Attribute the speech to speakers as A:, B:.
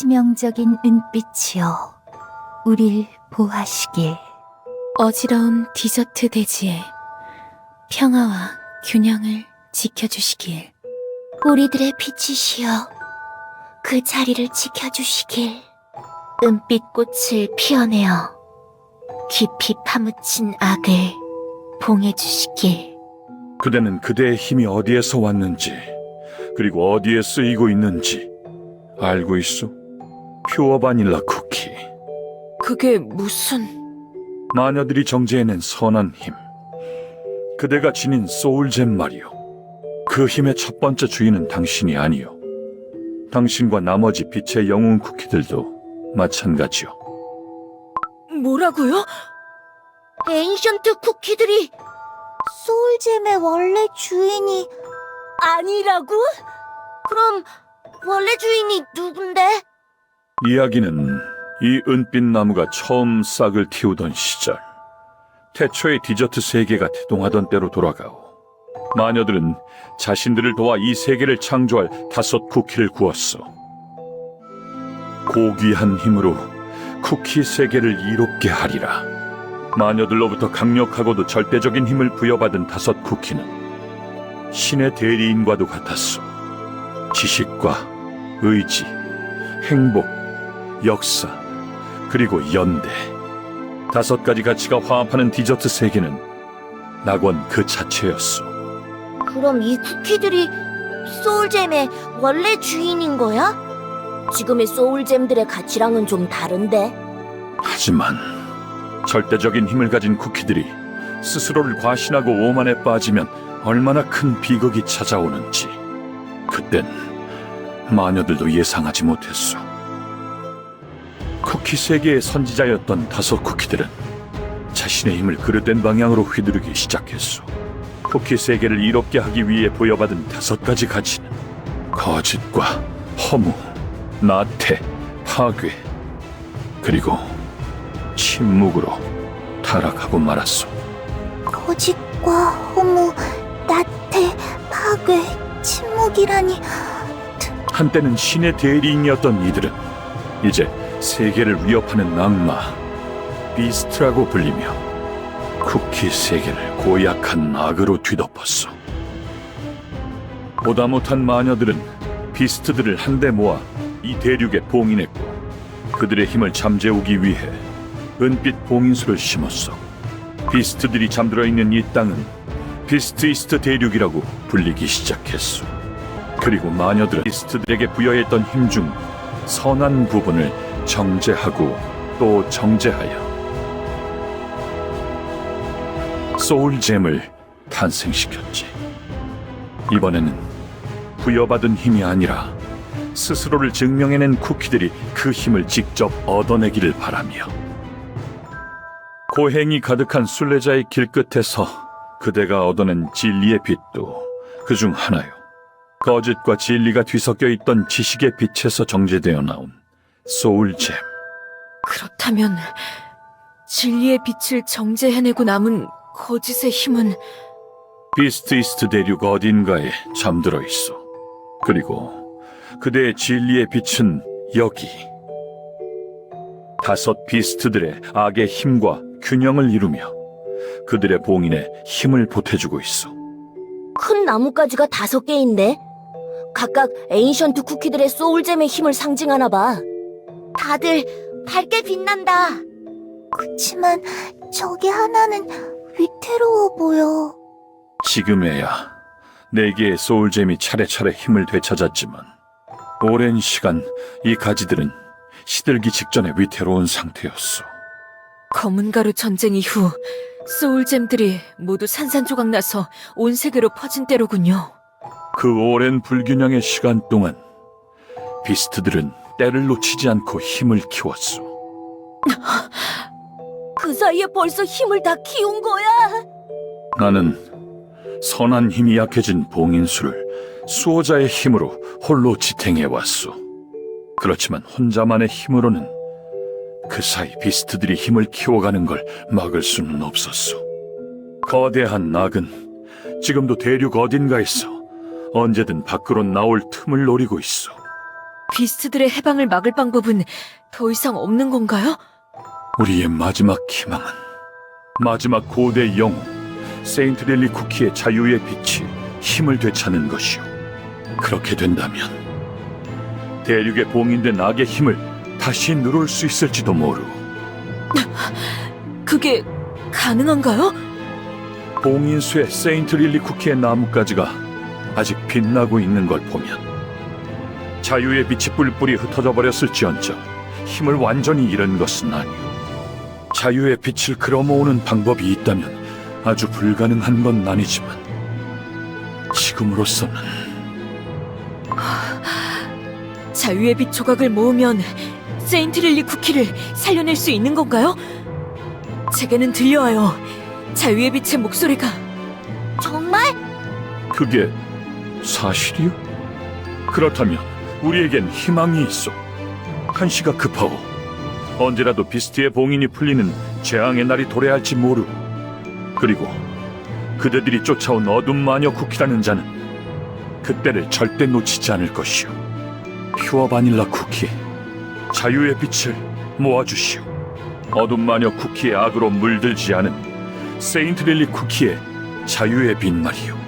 A: 치명적인 은빛이여, 우릴 보하시길.
B: 어지러운 디저트 대지에 평화와 균형을 지켜주시길.
A: 우리들의 빛이시여, 그 자리를 지켜주시길. 은빛꽃을 피어내어 깊이 파묻힌 악을 봉해주시길.
C: 그대는 그대의 힘이 어디에서 왔는지, 그리고 어디에 쓰이고 있는지 알고 있소? 퓨어 바닐라 쿠키.
B: 그게 무슨...
C: 마녀들이 정제해낸 선한 힘. 그대가 지닌 소울잼 말이오. 그 힘의 첫 번째 주인은 당신이 아니오. 당신과 나머지 빛의 영웅 쿠키들도 마찬가지요.
B: 뭐라고요?
A: 에인션트 쿠키들이 소울잼의 원래 주인이 아니라고? 그럼 원래 주인이 누군데?
C: 이야기는 이 은빛 나무가 처음 싹을 틔우던 시절, 태초의 디저트 세계가 태동하던 때로 돌아가오. 마녀들은 자신들을 도와 이 세계를 창조할 5 쿠키를 구웠어. 고귀한 힘으로 쿠키 세계를 이롭게 하리라. 마녀들로부터 강력하고도 절대적인 힘을 부여받은 5 쿠키는 신의 대리인과도 같았어. 지식과 의지, 행복, 역사, 그리고 연대. 5가지 가치가 화합하는 디저트 세계는 낙원 그 자체였어.
A: 그럼 이 쿠키들이 소울잼의 원래 주인인 거야? 지금의 소울잼들의 가치랑은 좀 다른데.
C: 하지만 절대적인 힘을 가진 쿠키들이 스스로를 과신하고 오만에 빠지면 얼마나 큰 비극이 찾아오는지 그땐 마녀들도 예상하지 못했어. 쿠키 세계의 선지자였던 5 쿠키들은 자신의 힘을 그릇된 방향으로 휘두르기 시작했어. 쿠키 세계를 이롭게 하기 위해 부여받은 5가지 가치는 거짓과 허무, 나태, 파괴, 그리고 침묵으로 타락하고 말았어.
A: 거짓과 허무, 나태, 파괴, 침묵이라니.
C: 한때는 신의 대리인이었던 이들은 이제 세계를 위협하는 악마, 비스트라고 불리며 쿠키 세계를 고약한 악으로 뒤덮었어. 보다 못한 마녀들은 비스트들을 한데 모아 이 대륙에 봉인했고, 그들의 힘을 잠재우기 위해 은빛 봉인수를 심었어. 비스트들이 잠들어 있는 이 땅은 비스트 이스트 대륙이라고 불리기 시작했어. 그리고 마녀들은 비스트들에게 부여했던 힘 중 선한 부분을 정제하고 또 정제하여 소울잼을 탄생시켰지. 이번에는 부여받은 힘이 아니라 스스로를 증명해낸 쿠키들이 그 힘을 직접 얻어내기를 바라며, 고행이 가득한 순례자의 길끝에서 그대가 얻어낸 진리의 빛도 그중 하나요. 거짓과 진리가 뒤섞여 있던 지식의 빛에서 정제되어 나온 소울잼.
B: 그렇다면 진리의 빛을 정제해내고 남은 거짓의 힘은
C: 비스트 이스트 대륙 어딘가에 잠들어 있어. 그리고 그대의 진리의 빛은 여기. 5 비스트들의 악의 힘과 균형을 이루며 그들의 봉인에 힘을 보태주고 있어.
A: 큰 나뭇가지가 5개인데 각각 에인션트 쿠키들의 소울잼의 힘을 상징하나 봐. 다들 밝게 빛난다. 그치만 저게 하나는 위태로워 보여.
C: 지금에야 4개의 소울잼이 차례차례 힘을 되찾았지만 오랜 시간 이 가지들은 시들기 직전에 위태로운 상태였어.
B: 검은 가루 전쟁 이후 소울잼들이 모두 산산조각 나서 온 세계로 퍼진 때로군요.
C: 그 오랜 불균형의 시간 동안 비스트들은 때를 놓치지 않고 힘을 키웠어.
A: 그 사이에 벌써 힘을 다 키운 거야?
C: 나는 선한 힘이 약해진 봉인수를 수호자의 힘으로 홀로 지탱해왔소. 그렇지만 혼자만의 힘으로는 그 사이 비스트들이 힘을 키워가는 걸 막을 수는 없었어. 거대한 낙은 지금도 대륙 어딘가에서 언제든 밖으로 나올 틈을 노리고 있어.
B: 비스트들의 해방을 막을 방법은 더 이상 없는 건가요?
C: 우리의 마지막 희망은 마지막 고대 영웅 세인트 릴리 쿠키의 자유의 빛이 힘을 되찾는 것이오. 그렇게 된다면 대륙에 봉인된 악의 힘을 다시 누를 수 있을지도 모르.
B: 그게 가능한가요?
C: 봉인수의 세인트 릴리 쿠키의 나뭇가지가 아직 빛나고 있는 걸 보면 자유의 빛이 뿔뿔이 흩어져 버렸을지언정 힘을 완전히 잃은 것은 아니오. 자유의 빛을 끌어모으는 방법이 있다면 아주 불가능한 건 아니지만 지금으로서는
B: 자유의 빛 조각을 모으면 세인트 릴리 쿠키를 살려낼 수 있는 건가요? 제게는 들려와요. 자유의 빛의 목소리가.
A: 정말?
C: 그게 사실이오? 그렇다면 우리에겐 희망이 있어. 한시가 급하오. 언제라도 비스트의 봉인이 풀리는 재앙의 날이 도래할지 모르. 그리고 그대들이 쫓아온 어둠 마녀 쿠키라는 자는 그때를 절대 놓치지 않을 것이오. 퓨어 바닐라 쿠키, 자유의 빛을 모아주시오. 어둠 마녀 쿠키의 악으로 물들지 않은 세인트 릴리 쿠키의 자유의 빛 말이오.